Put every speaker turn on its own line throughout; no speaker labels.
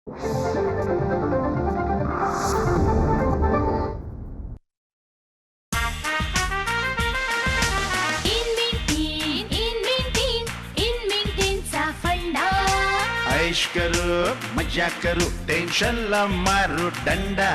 ऐश करू मजा करू टेन्शन ला मारू डंडा.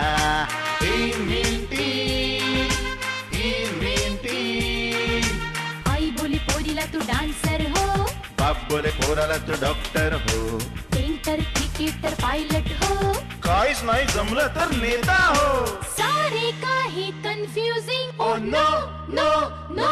आई बोली पोरीला तू डान्सर हो,
बाप बोले पोराला तू डॉक्टर हो,
पेंटर क्रिकेटर पायलट हो,
काहीच नाही जमलं तर नेता हो.
सारे काही confusing.
Oh no no no.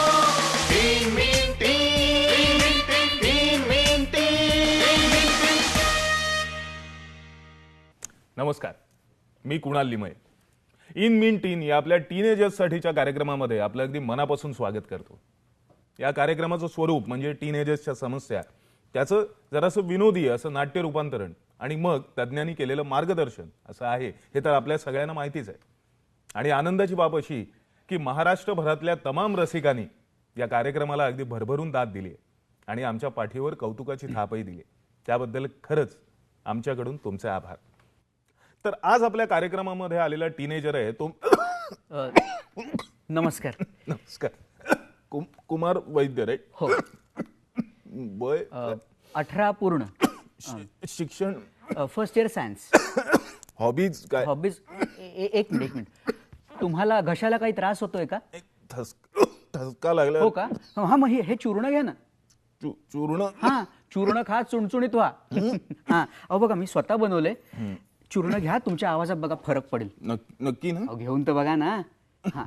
नमस्कार, मी कुणाल लिमये. इन मीन टीन या आपल्या टीनेजर्ससाठीच्या कार्यक्रमामध्ये आपलं अगदी मनापासून स्वागत करतो. या कार्यक्रमाचं स्वरूप म्हणजे टीनेजर्सच्या समस्या, त्याचं जरासं विनोदी असं नाट्य रूपांतरण आणि मग तज्ज्ञांनी केलेलं मार्गदर्शन असं आहे, हे तर आपल्या सगळ्यांना माहितीच आहे. आणि आनंदाची बाब अशी की महाराष्ट्रभरातल्या तमाम रसिकांनी या कार्यक्रमाला अगदी भरभरून दाद दिली आणि आमच्या पाठीवर कौतुकाची थापही दिली. त्याबद्दल खरंच आमच्याकडून तुमचे आभार. तर आज आपल्या कार्यक्रमामध्ये आलेला टीनेजर आहे तो
नमस्कार.
नमस्कार. कुमार वैद्य रे.
हो.
वय
18 पूर्ण.
शिक्षण
फर्स्ट इयर सायन्स.
हॉबीज काय?
हॉबीज एक मिनिट. तुम्हाला घशाला काही त्रास होतोय का?
ठसका लागला.
हो का? हा मग हे चूर्ण घ्या ना.
चूर्ण?
हा चूर्ण खा, चुणचुणीत व्हा. हा अहो बघा मी स्वतः बनवले. चूर्ण घ्या, तुमच्या आवाजात बघा फरक पडेल.
नक्की ना?
अहो घेऊन तर बघा ना. हा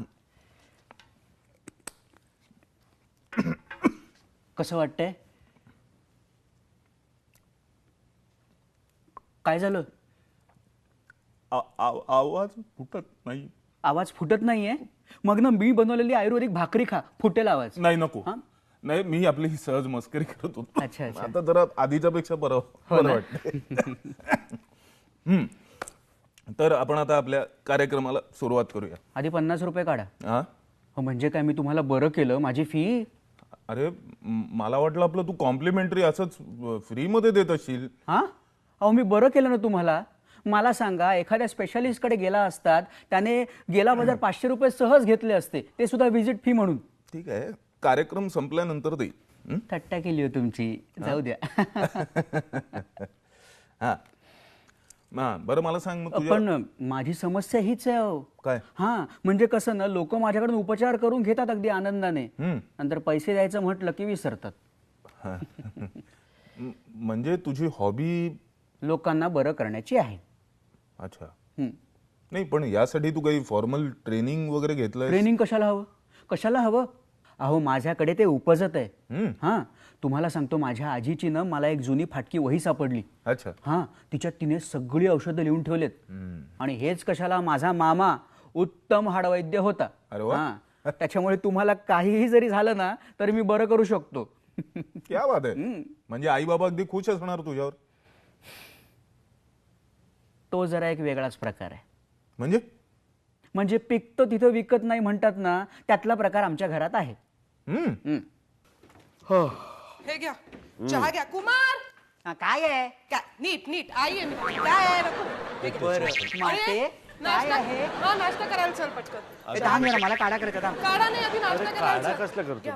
कसं वाटतंय? काय झालं?
आवाज फुटत नाही.
आवाज फुटत नाहीये? मग ना मी बनवलेली आयुर्वेदिक भाकरी खा, फुटेल आवाज.
नाही नको.
हा?
नाही, मी आपली ही सहज मस्करी करत होतो.
अच्छा, अच्छा.
आता जरा आधीच्या पेक्षा बरं वाटतं. तर आपण आता आपल्या कार्यक्रमाला सुरुवात करूया.
आधी 50 रुपये काढा.
हा?
हो म्हणजे काय, मी तुम्हाला बरं केलं, माझी फी.
अरे मला वाटलं आपलं तू कॉम्प्लिमेंटरी असंच फ्री मध्ये देत असशील.
हा अहो मी बरं केलं ना तुम्हाला. मला सांगा, एखाद्या स्पेशालिस्टकडे गेला असतात, त्याने गेला बाजार 500 रुपये सहज घेतले असते, ते सुद्धा व्हिजिट फी म्हणून.
ठीक आहे, कार्यक्रम संपल्यानंतर दे.
थट्टा केली हो तुमची, जाऊ द्या.
हा बरं मला सांग मग
पण माझी समस्या हीच आहे अहो.
काय?
हा म्हणजे कसं ना, लोक माझ्याकडून उपचार करून घेतात अगदी आनंदाने, नंतर पैसे द्यायचं म्हटलं की विसरतात.
म्हणजे तुझी हॉबी
लोकांना बरं करण्याची आहे.
अच्छा. नाही पण यासाठी तू काही फॉर्मल ट्रेनिंग वगैरे घेतलंय?
ट्रेनिंग कशाला हवं? कशाला हवं? अहो माझ्याकडे ते उपजत आहे. हा तुम्हाला सांगतो, माझ्या आजीची ना मला एक जुनी फाटकी वही सापडली.
अच्छा.
हा तिच्यात तिने सगळी औषधं लिहून ठेवलेत. आणि हेच कशाला, माझा मामा उत्तम हाडवैद्य होता.
अरे वा.
हा त्याच्यामुळे तुम्हाला काहीही जरी झालं ना तरी मी बरं करू शकतो.
क्या बात आहे. म्हणजे आई बाबा अगदी खुश असणार तुझ्यावर.
तो जरा एक वेगळाच प्रकार आहे.
म्हणजे
पिकतं तिथं विकत नाही म्हणतात ना, त्यातला प्रकार आमच्या घरात आहे.
हे घ्या, चहा घ्या. कुमार
काय आहे?
काय नीट नीट आई आहे मी. काय आहे नको. हे घ्या.
माते,
अरे,
काय
नाश्ता
आहे?
हा नाश्ता करायला चल पटकन.
दहा मिनिट मला काढा करायचा. थांब.
काढा नाही, आधी नाश्ता करायला चल.
कसलं करतो?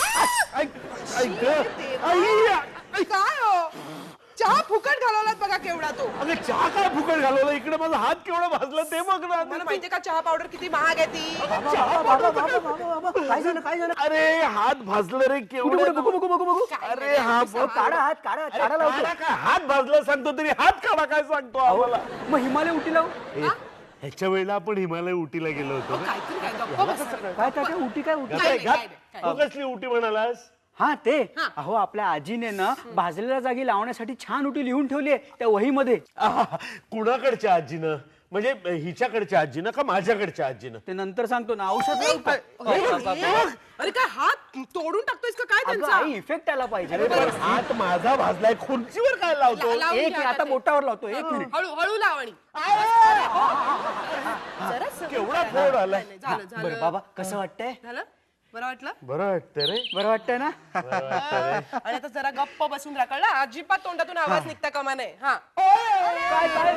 काय हो, चहा फुकट घालवलात बघा केवढा तो.
अगं चहा काय फुकट घालवला? इकडे माझा हात केवढा भाजला ते बघ ना.
मला माहितीये का चहा पावडर किती महाग आहे ती.
काय झालं? काय झालं?
अरे हात भाजलं रे केवढं.
बघू.
अरे हा
काढा हात, काढा. काढा लावतो.
काढा काय हात भाजला सांगतो तरी हात काढा काय सांगतो आम्हाला.
मग हिमालय उटी लावू.
ह्याच्या वेळेला आपण हिमालय उटीला गेलो होतो ना.
काहीतरी काय गप्प बसा.
काय उटी? काय उटी?
नाही, नाही,
तू कसली उटी म्हणालास?
हा ते अहो आपल्या आजीने ना भाजलेल्या जागी लावण्यासाठी छान उटी लिहून ठेवली आहे त्या वहीमध्ये.
कुणाकडच्या आजीनं? म्हणजे हिच्याकडच्या आजीनं का माझ्याकडच्या आजीनं?
ते नंतर सांगतो ना. औषध
अरे काय हात तोडून टाकतोयस का काय त्यांचा?
इफेक्ट आला पाहिजे.
हात माझा भाजलाय, खुर्चीवर काय लावतो?
लावून
एक
घ्या
मिनिट, आता
ते.
बोटावर लावतो. एक मिनिट.
हळू लावणी.
केवढा फोड आलाय.
झालं
बरं
झालं.
बाबा, कसं वाटतंय?
झालं बरं वाटलं.
बरं वाटतं रे.
बरं वाटतंय ना?
आणि आता जरा गप्प बसून राहा, कळलं? अजिबात तोंडातून आवाज निघता कामा नये. हा
काय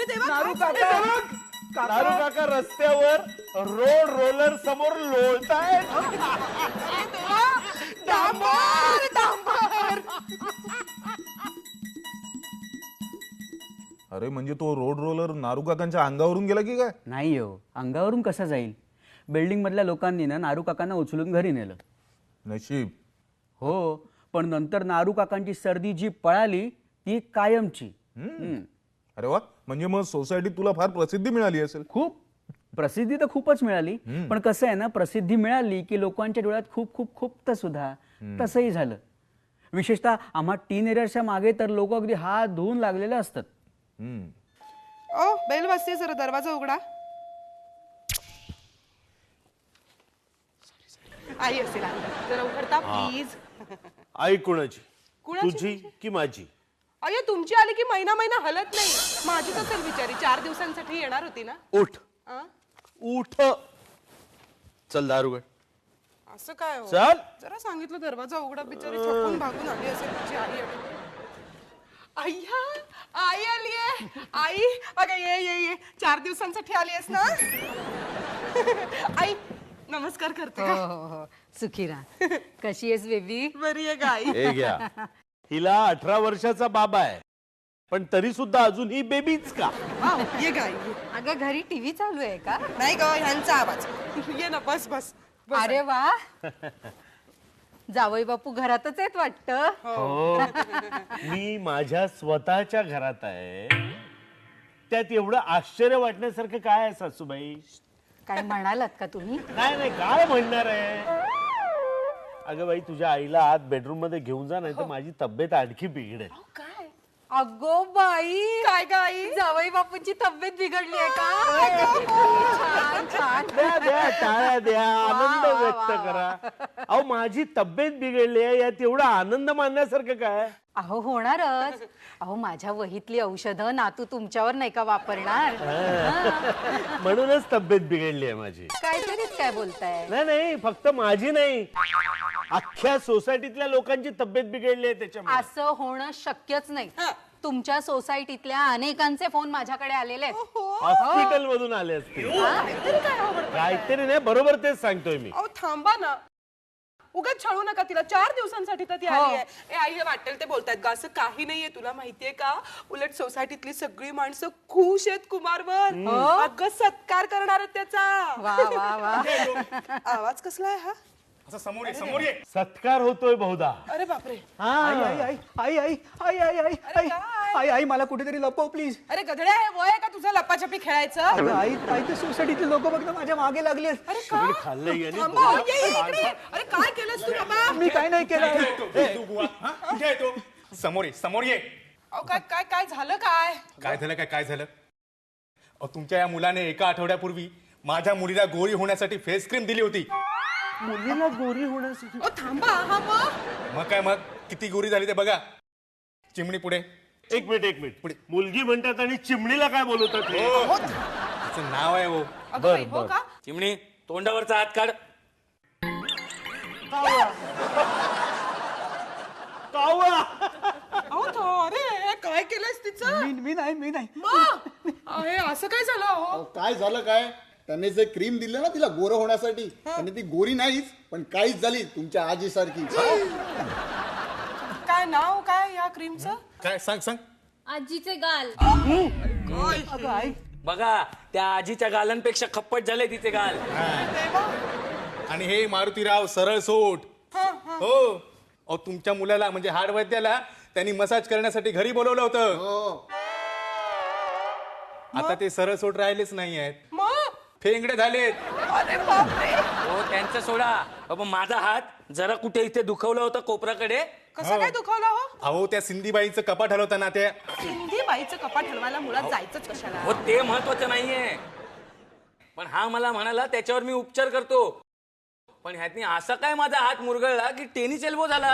अरे देवा,
नारू
काय
काका
नारू काका रस्त्यावर रोड रोलर समोर लोळतायत.
डांबर डांबर.
अरे म्हणजे तो रोड रोलर नारू काकांच्या अंगावरून गेला की काय?
नाही हो, अंगावरून कसा जाईल? बिल्डिंग मधल्या लोकांनी ना नारू काकांना उचलून घरी नेलं.
नशीब.
हो, पण नंतर नारू काकांची सर्दी जी पळाली ती कायमची.
अरे वा, म्हणजे मग सोसायटीत तुला फार प्रसिद्धी मिळाली असेल.
खूप प्रसिद्धी तर खूपच मिळाली, पण कसं आहे ना, प्रसिद्धी मिळाली की लोकांच्या डोळ्यात खूप खूप खूप सुद्धा. तसंही झालं. विशेषतः आम्हा टीनेजर्सच्या मागे तर लोक अगदी हात धुवून लागलेले असतात.
ओ बेल वाजते, जरा दरवाजा उघडा. आई असेल आली. जरा उघडता प्लीज.
आई कुणाची?
कुणाची
तुझी की माझी?
अय्या तुमची आली की महिना महिना हलत नाही. माझीच असेल बिचारी, 4 दिवसांसाठी येणार होती ना.
उठ
आ?
उठ. चल दारुगड.
असं काय हो?
चल.
जरा सांगितलं दरवाजा उघडा, बिचारी छपून भागून आली असेल तुझी आई. अय्या आई आली आहे. आई अगं ये ये ये, 4 दिवसांसाठी आली आहेस ना. आई नमस्कार करते का?
हो हो सुखी राहा. कशी आहेस बेबी?
बरी आहे गाई.
हे घ्या. हिला 18 वर्षाचा बाबा आहे, पण तरी सुद्धा अजून ही बेबीच का?
ये गाई.
अगं घरी टीव्ही चालू आहे का?
नाही ग, ह्यांचा आवाज. ये ना, बस बस बस.
अरे वा, जावई बापू घरातच आहेत वाटतं.
हो, मी माझ्या स्वतःच्या घरात आहे. त्यात एवढं आश्चर्य वाटण्यासारखं काय आहे सासूबाई?
काय म्हणालात का तुम्ही?
नाही नाही, काय म्हणणार आहे? अगं बाई, तुझ्या आईला आत बेडरूम मध्ये घेऊन जा, नाही तर माझी तब्येत आणखी बिघडेल.
काय
अगो बाई,
काय गाई?
जावई बापूंची तब्येत बिघडली आहे का? छान छान.
द्या द्या, टाळ्या द्या, आनंद व्यक्त करा. अहो, माझी तब्येत बिघडली आहे, यात एवढा आनंद मानण्यासारखं काय?
अहो होणारच. अहो माझ्या वहीतली औषधं नातू तुमच्यावर नाही का वापरणार?
म्हणूनच तब्येत बिघडली आहे माझी.
काहीतरीच काय बोलताय?
नाही नाही, फक्त माझी नाही, अख्ख्या सोसायटीतल्या लोकांची तब्येत बिघडली आहे त्याच्यामुळे.
असं होणं शक्यच नाही. तुमच्या सोसायटीतल्या अनेकांचे फोन माझ्याकडे आलेले आहेत.
हॉस्पिटल मधून आले असतील. काहीतरी नाही, बरोबर तेच सांगतोय मी.
अहो थांबा ना, उगाच छळू नका तिला. 4 दिवसांसाठी तर ती आली आहे. ए आई, हे वाटेल ते बोलतायत ग, असं काही नाहीये. तुला माहितीये का, उलट सोसायटीतली सगळी माणसं खुश आहेत कुमारवर. अगं सत्कार करणार आहेत त्याचा.
वा वा वा.
आवाज कसला आहे हा?
सत्कार होतोय बहुधा.
अरे बापरे.
आई आई आई आई आई आई आई आई आई आई आई मला कुठेतरी लपव प्लीज.
अरे गधड्या, हे वय आहे का तुझं लपाछपी खेळायचं?
आई आई ते सोसायटीतले लोक बघ ना माझ्या मागे लागले.
अरे का?
खाल्लंय याने.
थांबा, ये इकडे. अरे काय केलंस तू बाबा?
मी काय नाही केलं.
समोर ये, समोर ये.
अहो काय काय काय झालं? काय
काय झालं? काय झालं? तुमच्या या मुलाने एका आठवड्यापूर्वी माझ्या मुलीला गोरी होण्यासाठी फेस क्रीम दिली होती.
मुलीला गोरी होण्यासाठी?
अहो थांबा. हा
मग काय, मग किती गोरी झाली ते बघा. चिमणी पुढे.
एक मिनिट पुढे. मुलगी म्हणतात आणि चिमणीला काय बोलवतात?
तिचं नाव आहे हो.
अगं बाई, हो का?
चिमणी, तोंडावरचा हात काढ.
अहो अरे काय केलंस तिचं?
मी नाही.
मग हे असं काय झालं? हो
काय झालं काय? त्याने जे क्रीम दिलं ना तिला गोरं होण्यासाठी, आणि ती गोरी नाहीच पण काहीच झाली तुमच्या आजी सारखी.
काय नाव काय या क्रीमचं?
काय सांग.
आजीचे गाल.
बघा, त्या आजीच्या गालांपेक्षा खप्पट झाले तिचे गाल.
आणि हे मारुतीराव सरळ सोट. हो. अहो तुमच्या मुलाला म्हणजे हाडवैद्याला त्यांनी मसाज करण्यासाठी घरी बोलवलं होतं.
हो.
आता ते सरळ सोट राहिलेच नाही आहेत,
मग
फेंगडे झालेत.
अरे बापरे.
हो त्यांचं सोडा. बाबा माझा हात जरा कुठे इथे दुखवला होता कोपराकडे.
कसं काय दुखावला? हो
अहो त्या सिंधीबाईचं कपाट हलवतं ना, त्या
हिंदी बाईचं कपाट हलवायला मुळात जायचंच कशाला?
हो ते महत्वाचं नाहीये, पण हा मला म्हणाला त्याच्यावर मी उपचार करतो. पण ह्यातनी असा काय माझा हात मुरगळला की टेनिस एल्बो झाला.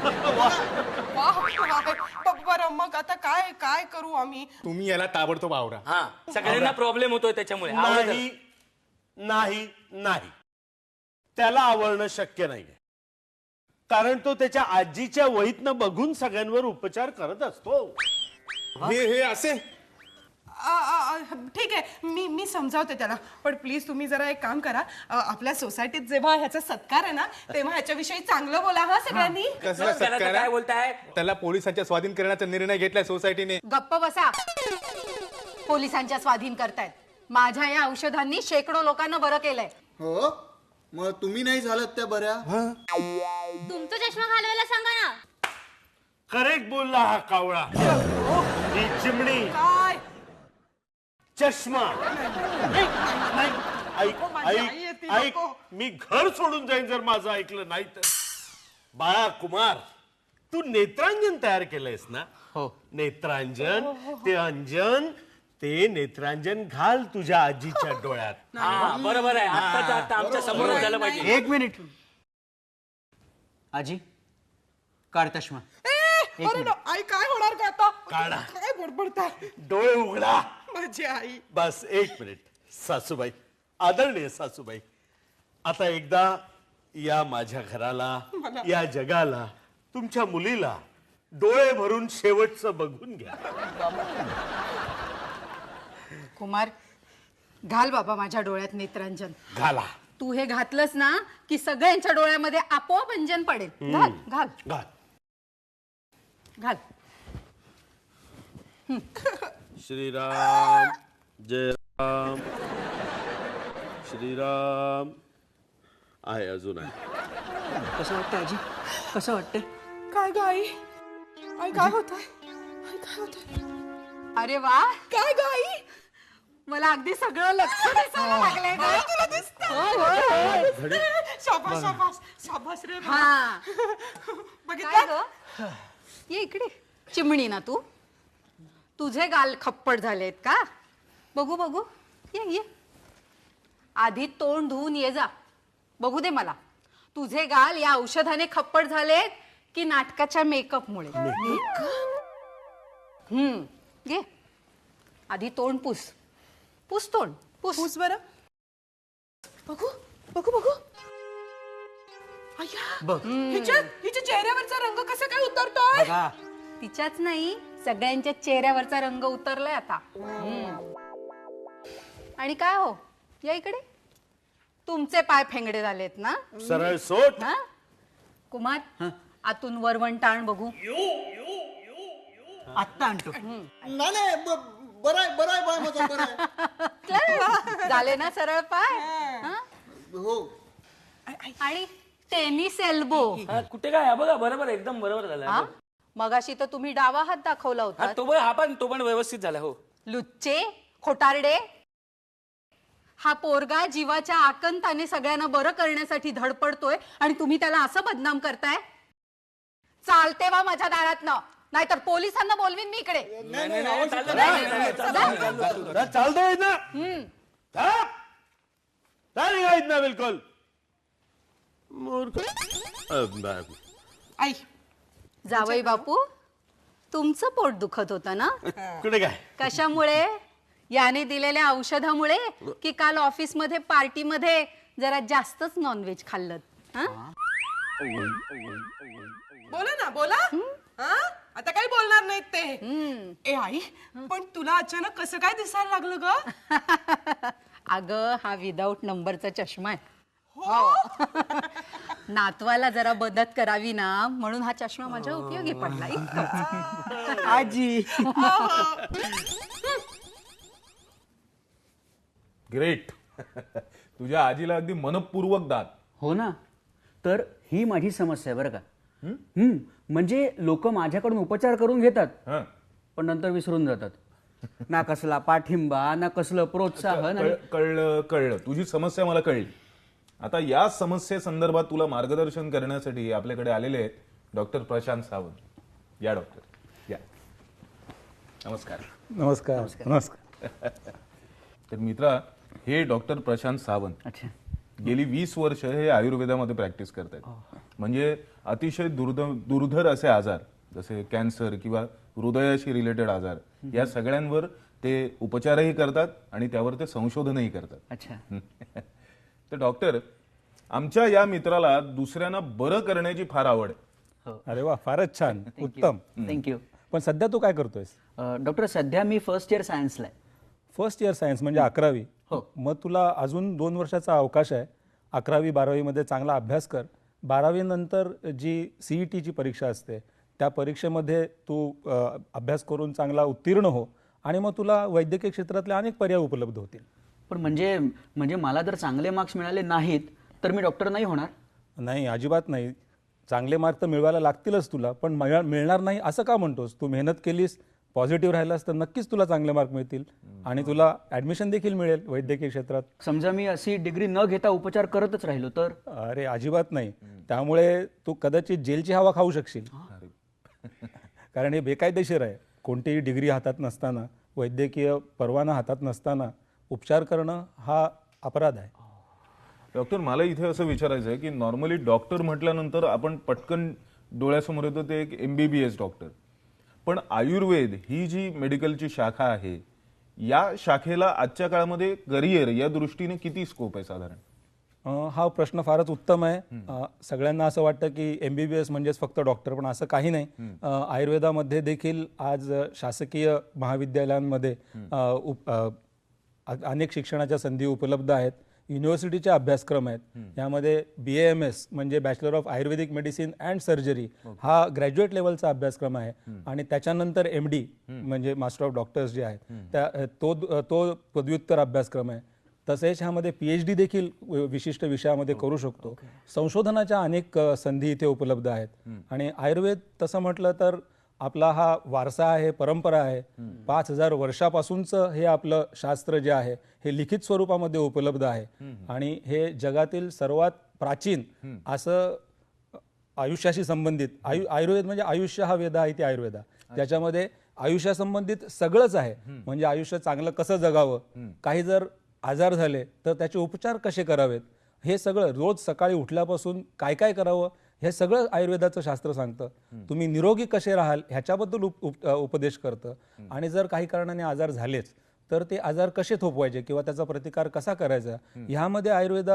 बरं मग आता काय काय करू आम्ही?
तुम्ही याला ताबडतोब आवरा.
हा, सगळ्यांना प्रॉब्लेम होतोय त्याच्यामुळे. आवडलं.
नाही नाही नाही, त्याला आवडणं शक्य नाहीये, कारण तो त्याच्या आजीच्या वहीतनं बघून सगळ्यांवर उपचार करत असतो.
हे असे
ठीक आहे, मी समजावते त्याला. पण प्लीज तुम्ही जरा एक काम करा, आपल्या सोसायटीत जेव्हा ह्याचा सत्कार आहे ना, तेव्हा ह्याच्याविषयी चांगलं बोला हा सगळ्यांनी.
कसला
त्याला तर
सत्कार
काय
आहे?
बोलताय?
त्याला पोलिसांच्या स्वाधीन करण्याचा निर्णय घेतलाय सोसायटीने.
गप्प बसा. पोलिसांच्या स्वाधीन करतायत. माझ्या या औषधांनी शेकडो लोकांना बरं केलंय.
हो मग तुम्ही नाही झालात त्या बऱ्या.
तुमचा चष्मा घालवायला सांगा ना.
करेक्ट बोलला हा कावळा. ही चिमणी
काय
चष्मा. नाही, ऐक
माझी आई
ऐक
येते,
ऐक
नको.
मी घर सोडून जाईन जर माझं ऐकलं नाही तर. बाळा कुमार, तू नेत्रांजन तयार केलंयस ना?
हो.
नेत्रांजन, ते अंजन, ते नेत्रांजन घाल तुझ्या आजीच्या डोळ्यात.
हा बरोबर आहे. आत्ताच्या आत्ता आमच्या समोर झालं पाहिजे.
एक मिनिट. आजी काढ चष्मा.
अरे ना, आई काय होणार का आता?
काढा.
काय बडबडताय
डोळे उघडा.
माझी आई.
बस एक मिनिट. सासूबाई, आदरणीय सासूबाई, आता एकदा या माझ्या घराला, या जगाला, तुमच्या मुलीला डोळे भरून शेवटचं बघून घ्या.
कुमार, घाल बाबा माझ्या डोळ्यात नेत्रांजन.
घाला.
तू हे घातलंस ना की सगळ्यांच्या डोळ्यामध्ये आपोआप अंजन पडेल. घाल घाल
घाल.
घाल.
श्रीराम जय राम. श्रीराम आहे, अजून आहे.
कसं वाटतं आजी? कसं वाटतं?
काय ग आई? आई काय होत आहे? आई काय होत आहे?
अरे वा,
काय ग आई?
मला अगदी सगळं लक्ष दिसायला लागलंय
आई,
गं.
तुला दिसतंय?
होय, होय, होय.
शाबास शाबास शाबास रे.
हा. काय
बघितलं?
ग? ये इकडे. चिमणी ना तू? तुझे गाल खप्पड झालेत का? बघू बघू. ये ये. आधी तोंड धुवून ये जा. बघू दे मला. तुझे गाल या औषधाने खप्पड झालेत की नाटकाच्या मेकअपमुळे? घे. आधी तोंड पुस. पुस तोंड.
पुस बरं. बघू बघू बघू. अय्या, हिच्या चेहऱ्यावरचा रंग कसा काय उतरतोय?
बघा.
तिच्याच नाही, सगळ्यांच्या चेहऱ्यावरचा रंग उतरलाय आता. आणि काय हो, या इकडे. तुमचे पाय फेंगडे झालेत ना?
सरळ सोट.
हा? कुमार, आतून वरवंट आण बघू.
आत्ता आणतो.
नाही नाही बरं आहे बाय माझा बरं आहे.
झाले ना सरळ पाय? हा?
हो.
आणि टेनिस एल्बो.
कुठे काय? हा बघा, बरोबर एकदम बरोबर झालं.
हा? मगाशी तर तुम्ही डावा हात दाखवला
हा,
होता.
तो पण व्यवस्थित झाला. हो.
लुच्चे, खोटारडे. हा पोरगा जीवाच्या आकंताने सगळ्यांना बरं करण्यासाठी धडपडतोय आणि तुम्ही त्याला असं बदनाम करताय. चालते वा माझ्या दारातनं, नाहीतर पोलिसांना बोलवीन मी इकडे.
नाही, चालतं.
चालतंय ना? ना बिलकुल मूर्ख.
आई
जावई बापू, तुमचं पोट दुखत होतं ना?
कुठे काय?
कशामुळे? याने दिलेल्या औषधामुळे की काल ऑफिस मध्ये पार्टी मध्ये जरा जास्तच नॉनव्हेज खाल्लं?
बोला ना, बोला. हा? आता काही बोलणार नाहीत ते. ए आई, पण तुला अचानक कसं काय दिसायला लागलं ग?
अगं, हा विदाऊट नंबरचा चष्मा आहे.
हो.
नातवाला जरा मदत करावी ना, म्हणून हा चष्मा माझ्या उपयोगी पडला. इतकंच.
आजी.
ग्रेट. तुझ्या आजीला अगदी मनपूर्वक दात.
हो ना. तर ही माझी समस्या आहे बरं का. म्हणजे लोक माझ्याकडून उपचार करून घेतात,
हं.
पण नंतर विसरून जातात. ना कसला पाठिंबा, ना कसलं प्रोत्साहन.
कळलं. तुझी समस्या मला कळली. आता या समस्येसंदर्भात तुला मार्गदर्शन करण्यासाठी आपल्याकडे आलेले आहेत डॉक्टर प्रशांत सावंत. या डॉक्टर, या. नमस्कार.
नमस्कार. नमस्कार.
तर मित्रा, हे डॉक्टर प्रशांत सावंत.
अच्छा.
गेली 20 वर्ष हे आयुर्वेदामध्ये प्रॅक्टिस करतात. म्हणजे अतिशय दुर्धर असे आजार जसे कॅन्सर किंवा हृदयाशी रिलेटेड आजार, या सगळ्यांवर ते उपचारही करतात आणि त्यावर ते संशोधनही करतात.
अच्छा.
तर डॉक्टर, आमच्या या मित्राला दुसऱ्यांना बरं करण्याची फार आवड आहे.
अरे वा, फारच छान. उत्तम.
थँक्यू.
पण सध्या तू काय करतोयस?
डॉक्टर, सध्या मी फर्स्ट इयर सायन्सला आहे.
फर्स्ट इयर सायन्स म्हणजे 11वी. मग तुला अजून 2 वर्षाचा अवकाश आहे. 11वी 12वीमध्ये चांगला अभ्यास कर. 12वी नंतर जी CETची परीक्षा असते त्या परीक्षेमध्ये तू अभ्यास करून चांगला उत्तीर्ण हो आणि मग तुला वैद्यकीय क्षेत्रातले अनेक पर्याय उपलब्ध होतील.
पण म्हणजे मला जर चांगले मार्क्स मिळाले नाहीत तर मी डॉक्टर नाही होणार?
नाही, अजिबात नाही. चांगले मार्क तर मिळवायला लागतीलच तुला, पण मिळणार नाही असं का म्हणतोस? तू मेहनत केलीस, पॉझिटिव्ह राहिलास तर नक्कीच तुला चांगले मार्क मिळतील आणि तुला ॲडमिशन देखील मिळेल वैद्यकीय क्षेत्रात.
समजा मी अशी डिग्री न घेता उपचार करतच राहिलो तर?
अरे अजिबात नाही. त्यामुळे तू कदाचित जेलची हवा खाऊ शकशील. कारण हे बेकायदेशीर आहे. कोणतीही डिग्री हातात नसताना, वैद्यकीय परवाना हातात नसताना उपचार करणं हा अपराध आहे.
डॉक्टर, मला इथे असं विचारायचं आहे की नॉर्मली डॉक्टर म्हटल्यानंतर आपण पटकन डोळ्यासमोर येतो ते एक MBBS डॉक्टर. पण आयुर्वेद ही जी मेडिकलची शाखा आहे, या शाखेला आजच्या काळामध्ये करिअर या दृष्टीने किती स्कोप आहे साधारण?
हा प्रश्न फारच उत्तम आहे. सगळ्यांना असं वाटतं की MBBS म्हणजेच फक्त डॉक्टर, पण असं काही नाही. आयुर्वेदामध्ये देखील आज शासकीय महाविद्यालयांमध्ये अनेक शिक्षणाच्या संधी उपलब्ध आहेत. युनिव्हर्सिटीचे अभ्यासक्रम आहेत. यामध्ये BAMS म्हणजे bachelor of Ayurvedic medicine and surgery हा ग्रॅज्युएट लेवलचा अभ्यासक्रम आहे आणि त्याच्यानंतर MD म्हणजे मास्टर ऑफ डॉक्टर्स जे आहेत तो पदव्युत्तर अभ्यासक्रम आहे. तसेच ह्यामध्ये PhD देखील विशिष्ट विषयामध्ये करू शकतो. संशोधनाच्या अनेक संधी इथे उपलब्ध आहेत आणि आयुर्वेद तसं म्हटलं तर आपला हा वारसा आहे, परंपरा आहे. 5000 वर्षापासूनचं हे आपलं शास्त्र जे आहे हे लिखित स्वरूपामध्ये उपलब्ध आहे आणि हे जगातील सर्वात प्राचीन असं आयुष्याशी संबंधित आयुर्वेद म्हणजे आयुष्य हा वेद आहे ते आयुर्वेदा, ज्याच्यामध्ये आयुष्यासंबंधित सगळंच आहे. म्हणजे आयुष्य चांगलं कसं जगावं, काही जर आजार झाले तर त्याचे उपचार कसे करावेत, हे सगळं रोज सकाळी उठल्यापासून काय काय करावं हे सगळं आयुर्वेदाचं शास्त्र सांगतं. तुम्ही निरोगी कसे राहाल ह्याच्याबद्दल उपदेश करतं आणि जर काही कारणाने आजार झालेच तर ते आजार कसे थोपवायचे किंवा त्याचा प्रतिकार कसा करायचा ह्यामध्ये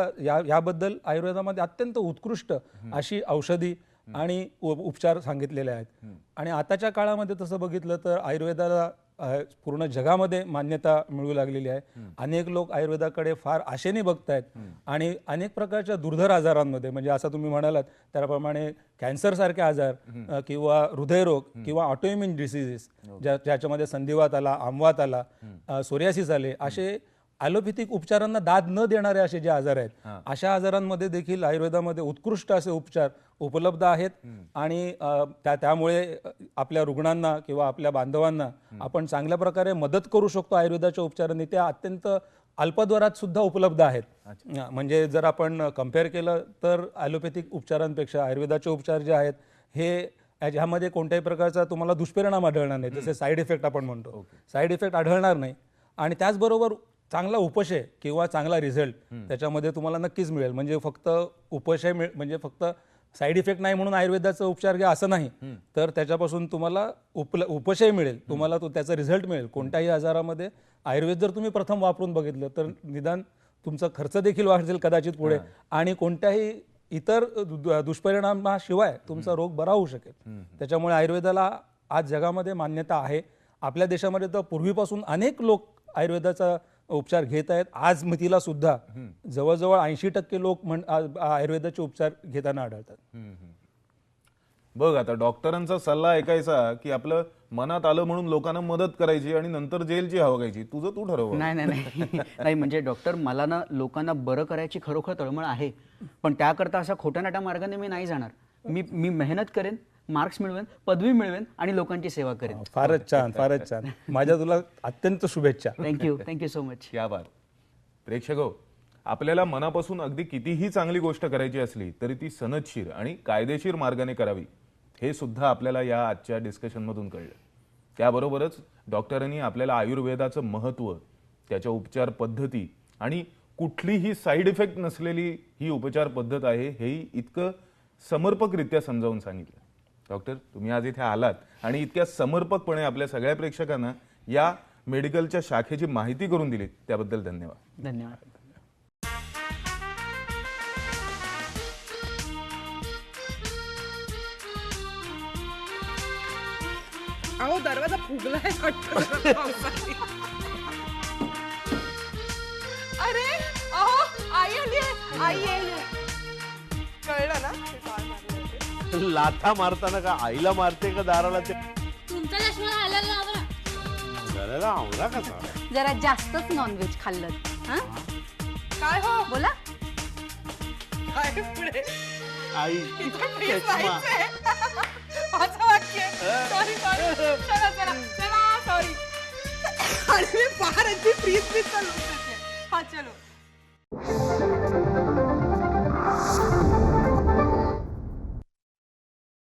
याबद्दल आयुर्वेदामध्ये अत्यंत उत्कृष्ट अशी औषधी आणि उपचार सांगितलेले आहेत. आणि आताच्या काळामध्ये तसं बघितलं तर आयुर्वेदाला पूर्ण जगामध्ये मान्यता मिळू लागलेली आहे. अनेक लोक आयुर्वेदाकडे फार आशेने बघतायत आणि अनेक प्रकारच्या दुर्धर आजारांमध्ये म्हणजे असं तुम्ही म्हणालात त्याप्रमाणे कॅन्सर सारखे आजार किंवा हृदयरोग किंवा ऑटोइम्युन डिसीजेस ज्याच्यामध्ये संधिवात आला, आमवात आला, सोरियासिस आले, असे ॲलोपॅथिक उपचारांना दाद न देणारे असे जे आजार आहेत अशा आजारांमध्ये देखील आयुर्वेदामध्ये उत्कृष्ट असे उपचार उपलब्ध आहेत आणि त्यामुळे आपल्या रुग्णांना किंवा आपल्या बांधवांना आपण चांगल्या प्रकारे मदत करू शकतो. आयुर्वेदाच्या उपचारांनी त्या अत्यंत अल्पदरात सुद्धा उपलब्ध आहेत. म्हणजे जर आपण कम्पेअर केलं तर ॲलोपॅथिक उपचारांपेक्षा आयुर्वेदाचे उपचार जे आहेत हे ह्यामध्ये कोणत्याही प्रकारचा तुम्हाला दुष्परिणाम आढळणार नाही. जसे साईड इफेक्ट आपण म्हणतो, साईड इफेक्ट आढळणार नाही आणि त्याचबरोबर चांगला उपशय किंवा चांगला रिझल्ट त्याच्यामध्ये तुम्हाला नक्कीच मिळेल. म्हणजे फक्त उपशय म्हणजे फक्त साईड इफेक्ट नाही म्हणून आयुर्वेदाचा उपचार घ्या असं नाही, तर त्याच्यापासून तुम्हाला उपशय मिळेल, तुम्हाला त्याचा रिझल्ट मिळेल. कोणत्याही आजारामध्ये आयुर्वेद जर तुम्ही प्रथम वापरून बघितलं तर निदान तुमचा खर्च देखील वाढेल कदाचित पुढे आणि कोणत्याही इतर दुष्परिणामाशिवाय तुमचा रोग बरा होऊ शकेल. त्याच्यामुळे आयुर्वेदाला आज जगामध्ये मान्यता आहे. आपल्या देशामध्ये तर पूर्वीपासून अनेक लोक आयुर्वेदाचा उपचार घेत आहेत. आज मितीला सुद्धा जवळजवळ 80% लोक आयुर्वेदाचे उपचार घेताना आढळतात.
बघ, आता डॉक्टरांचा सल्ला ऐकायचा की आपलं मनात आलं म्हणून लोकांना मदत करायची आणि नंतर जेलची हवा घ्यायची, तुझं तू ठरव.
नाही म्हणजे डॉक्टर मला ना लोकांना बरं करायची खरोखर तळमळ आहे, पण त्याकरता अशा खोट्या-नाट्या मार्गाने मी नाही जाणार. मी मेहनत करेन, मार्क्स मिळवेन, पदवी मिळवेन आणि लोकांची सेवा करेन.
फारच छान, फारच छान. माझ्या तुला अत्यंत शुभेच्छा.
Thank you so much.
क्या बात. प्रेक्षको, आपल्याला मनापासून अगदी कितीही चांगली गोष्ट करायची असली तरी ती सनदशीर आणि कायदेशीर मार्गाने करावी हे सुद्धा आपल्याला या आजच्या डिस्कशन मधून कळलं. त्याबरोबरच डॉक्टरांनी आपल्याला आयुर्वेदाचं महत्त्व, त्याच्या उपचार पद्धती आणि कुठलीही साईड इफेक्ट नसलेली ही उपचार पद्धत आहे हेही इतकं समर्पकरित्या समजावून सांगितलं. डॉक्टर, तुम्ही आज इथे आलात आणि इतक्या समर्पकपणे आपल्या सगळ्या प्रेक्षकांना या मेडिकलच्या शाखेची माहिती करून दिली त्याबद्दल धन्यवाद.
धन्यवाद.
अहो दरवाजा फुगलाय वाटतं.
लाथा मारताना का आईला मारते का दाराला ते
तुमचा चष्मा घालायला लावा ना.
घराला आवरा कसा
जरा जास्तच नॉनव्हेज खाल्लं हा
काय हो
बोला.
काय पुढे
आई
इथं please नाहीच आहे. माझं वाक्य सॉरी सॉरी चला चला चला सॉरी आणि मी फार अगदी प्लीज प्लीज चालू हा चलो